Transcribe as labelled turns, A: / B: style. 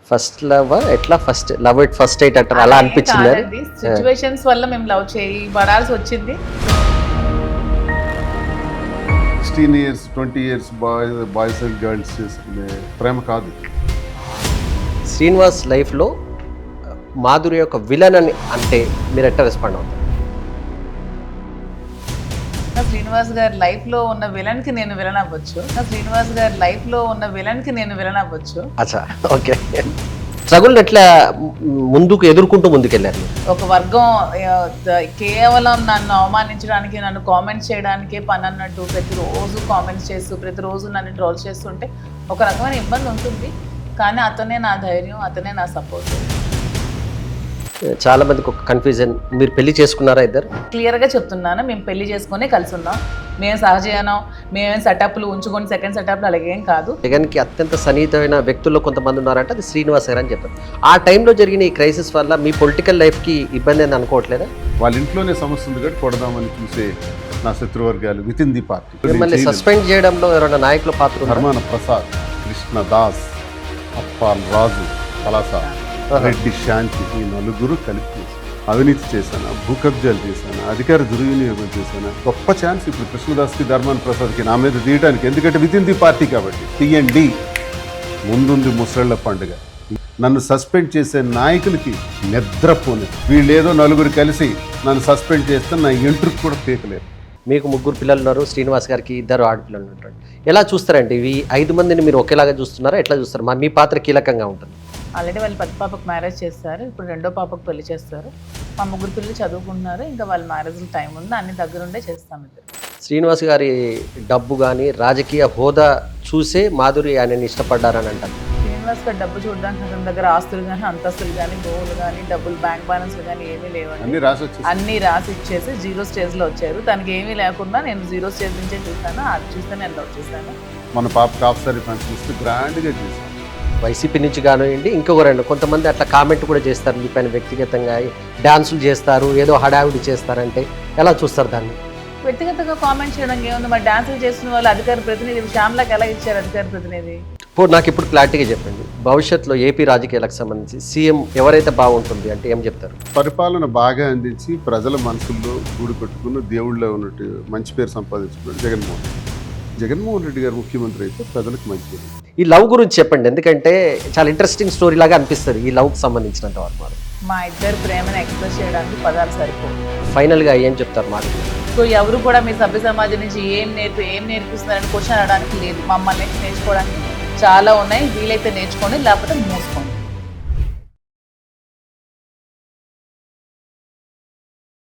A: First love ఎట్లా first love at first sight అంటారు అలా అనిపించింది
B: సిచ్యువేషన్స్ వల్ల మేము లవ్ చేయి పడాల్సి వచ్చింది.
C: 16 years 20 years boys and girls చేసుకునే ప్రేమ కాదు.
A: శ్రీనివాస్ లైఫ్లో మాధురి యొక్క విలన్ అని అంటే మీరు ఎట్లా రెస్పాండ్ అవుతారు?
B: శ్రీనివాస్ గారి లైఫ్ లో ఉన్న విలన్ కి నేను విలన్ అవ్వచ్చు. శ్రీనివాస్ గారి లైఫ్ లో ఉన్న విలన్ కి నేను విలన్ అవ్వచ్చు.
A: అచ్చా, ఓకే. స్ట్రగుల్ ఎట్లా ముందుకు ఎదుర్కొంటూ ముందుకెళ్ళారు?
B: ఒక వర్గం కేవలం నన్ను అవమానించడానికి, నన్ను కామెంట్స్ చేయడానికే పని అన్నట్టు ప్రతిరోజు కామెంట్స్ చేస్తూ ప్రతిరోజు నన్ను ట్రోల్ చేస్తుంటే ఒక రకమైన ఇబ్బంది ఉంటుంది. కానీ అతనే నా ధైర్యం, అతనే నా సపోర్ట్.
A: చాలా మందికి ఒక కన్ఫ్యూజన్, మీరు పెళ్లి చేసుకున్నారా ఇద్దరు?
B: క్లియర్గా చెప్తున్నాను, మేము పెళ్లి చేసుకుని కలిసి ఉన్నాం. మేము సహజీవనం, మేమేం సెటప్లు ఉంచుకొని సెకండ్ సెటప్లు అలాగేం కాదు.
A: జగన్కి అత్యంత సన్నిహితమైన వ్యక్తుల్లో కొంతమంది ఉన్నారంటే అది శ్రీనివాస్ గారు అని చెప్పారు. ఆ టైంలో జరిగిన ఈ క్రైసిస్ వల్ల మీ పొలిటికల్ లైఫ్కి ఇబ్బంది అని అనుకోవట్లేదా?
C: వాళ్ళ ఇంట్లోనే సమస్య ఉంది కాబట్టి కొడదామని చూసే నా శత్రువర్గాలు విత్ ఇన్ ది పార్టీ.
A: మిమ్మల్ని సస్పెండ్ చేయడంలో ఎవరైనా నాయకుల పాత్ర ఉందా?
C: ధర్మాన ప్రసాద్, కృష్ణ దాస్, అప్పాల్ రాజు, పలాస, రెడ్డి శాంతి, ఈ నలుగురు కలిపి అవినీతి చేశాను, భూ కబ్జాలు చేశాను, అధికార దుర్వినియోగం చేశాను. గొప్ప ఛాన్స్ ఇప్పుడు కృష్ణదాస్కి, ధర్మాన ప్రసాద్కి నా మీద తీయడానికి. ఎందుకంటే విత్ ఇన్ ది పార్టీ కాబట్టి తీయండి. ముందుంది ముసళ్ళ పండుగ. నన్ను సస్పెండ్ చేసే నాయకులకి నిద్రపోని. వీళ్ళేదో నలుగురు కలిసి నన్ను సస్పెండ్ చేస్తే నా ఎంట్రుకు కూడా పీకలేరు.
A: మీకు 3 పిల్లలు ఉన్నారు, శ్రీనివాస్ గారికి 2 ఆడపిల్లలు ఉంటారు. ఎలా చూస్తారండి ఈ 5 మందిని మీరు ఒకేలాగా చూస్తున్నారా? ఎట్లా చూస్తారు? మీ పాత్ర కీలకంగా ఉంటుంది.
B: ఆల్రెడీ వాళ్ళు పెద్ద పాపకు మ్యారేజ్ చేస్తారు, ఇప్పుడు రెండో పాపకు పెళ్లి చేస్తారు. మా 3 పిల్లలు చదువుకుంటున్నారు, ఇంకా వాళ్ళ మ్యారేజ్ టైం ఉంది, అన్ని దగ్గరుండే చేస్తాం.
A: శ్రీనివాస్ గారి డబ్బు కానీ రాజకీయ హోదా చూసే మాధురి ఆయనని ఇష్టపడ్డారని అంటారు.
B: శ్రీనివాస్ గారు డబ్బు చూడడానికి అతని దగ్గర ఆస్తులు కానీ, అంతస్తులు కానీ, భూములు కానీ, డబ్బులు, బ్యాంక్ బ్యాలెన్స్ కానీ ఏమీ లేవండి. అన్ని రాసి ఇచ్చేసి 0 స్టేజ్లో వచ్చారు. తనకి ఏమీ లేకుండా నేను 0 స్టేజ్ నుంచే చూస్తాను. అది చూస్తే నేను లవ్ చేశాను.
C: మన పాప ఆఫ్సరీ ఫంక్షన్ ఇస్తే గ్రాండ్గా చేశాను.
A: వైసీపీ నుంచి కానివ్వండి, ఇంకొక 2 కొంతమంది అట్లా కామెంట్ కూడా చేస్తారు మీ పైన వ్యక్తిగతంగా, డ్యాన్సులు చేస్తారు, ఏదో హడావిడి చేస్తారంటే ఎలా చూస్తారు దాన్ని?
B: వ్యక్తిగతంగా కామెంట్ చేయడం ఏముంది? మరి డాన్సులు చేస్తున్న వాళ్ళు అధికార ప్రతినిధి శ్యామ్లాకి ఎలా ఇచ్చారు అధికార ప్రతినిధి?
A: నాకు ఇప్పుడు క్లారిటీగా చెప్పండి, భవిష్యత్తులో ఏపీ రాజకీయాలకు సంబంధించి సీఎం ఎవరైతే బాగుంటుంది అంటే ఏం చెప్తారు?
C: పరిపాలన బాగా అందించి ప్రజల మనసుల్లో గూడు కట్టుకున్న దేవుళ్ళలో ఉన్నట్టు మంచి పేరు సంపాదించుకున్నాడు జగన్మోహన్ రెడ్డి గారు ముఖ్యమంత్రి అయితే ప్రజలకు మంచి.
A: ఈ లవ్ గురించి చెప్పండి, ఎందుకంటే చాలా ఇంట్రెస్టింగ్ స్టోరీ లాగా అనిపిస్తుంది ఈ లవ్కి సంబంధించినంత వరకు.
B: మా ఇద్దరు ప్రేమను ఎక్స్ప్రెస్ చేయడానికి పదాలు సరిపోవు.
A: ఫైనల్గా ఏం చెప్తారు మాట?
B: సో ఎవరు కూడా మీ సభ్య సమాజం నుంచి ఏం నేర్పిస్తున్నారని క్వశ్చన్ అడడానికి లేదు. మమ్మల్ని నేర్చుకోవడానికి చాలా ఉన్నాయి. వీలైతే నేర్చుకోండి, లేకపోతే మూసుకోండి.